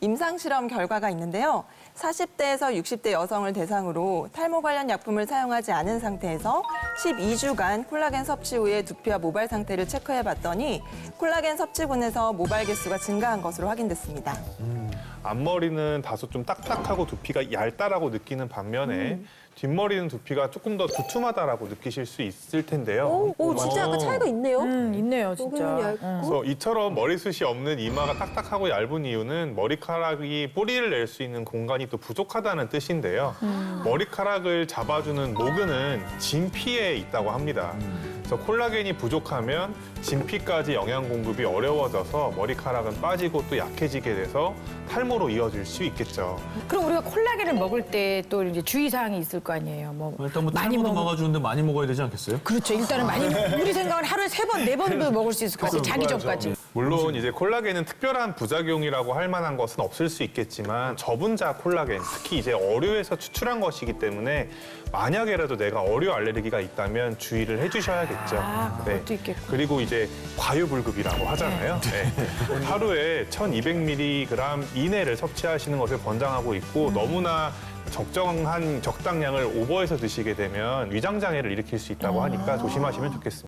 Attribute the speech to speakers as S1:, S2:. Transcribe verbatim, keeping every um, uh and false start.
S1: 임상실험 결과가 있는데요. 사십 대에서 육십 대 여성을 대상으로 탈모 관련 약품을 사용하지 않은 상태에서 십이 주간 콜라겐 섭취 후에 두피와 모발 상태를 체크해봤더니 콜라겐 섭취군에서 모발 개수가 증가한 것으로 확인됐습니다.
S2: 앞머리는 다소 좀 딱딱하고 두피가 얇다라고 느끼는 반면에
S3: 음.
S2: 뒷머리는 두피가 조금 더 두툼하다라고 느끼실 수 있을 텐데요.
S3: 오, 오 진짜 약간 차이가 있네요.
S4: 음, 있네요, 진짜.
S3: 여기는 얇고.
S2: 그래서 이처럼 머리숱이 없는 이마가 딱딱하고 얇은 이유는 머리카락이 뿌리를 낼 수 있는 공간이 또 부족하다는 뜻인데요. 머리카락을 잡아주는 모근은 진피에 있다고 합니다. 그래서 콜라겐이 부족하면 진피까지 영양 공급이 어려워져서 머리카락은 빠지고 또 약해지게 돼서 탈모로 이어질 수 있겠죠.
S4: 그럼 우리가 콜라겐을 먹을 때 또 이제 주의사항이 있을 거 아니에요. 뭐
S5: 일단 뭐
S4: 많이
S5: 탈모도
S4: 먹-
S5: 막아주는데 많이 먹어야 되지 않겠어요?
S4: 그렇죠. 일단은 많이 우리 생각은 하루에 세 번, 네 번도 먹을 수 있을 것 같아요. 자기 전까지.
S2: 물론 이제 콜라겐은 특별한 부작용이라고 할 만한 것은 없을 수 있겠지만 저분자 콜라겐, 특히 이제 어류에서 추출한 것이기 때문에 만약에라도 내가 어류 알레르기가 있다면 주의를 해주셔야겠죠.
S4: 아, 그것도 있겠고.
S2: 그리고 이제 과유불급이라고 하잖아요. 네. 하루에 천이백 밀리그램 이내를 섭취하시는 것을 권장하고 있고 너무나 적정한 적당량을 오버해서 드시게 되면 위장 장애를 일으킬 수 있다고 하니까 조심하시면 좋겠습니다.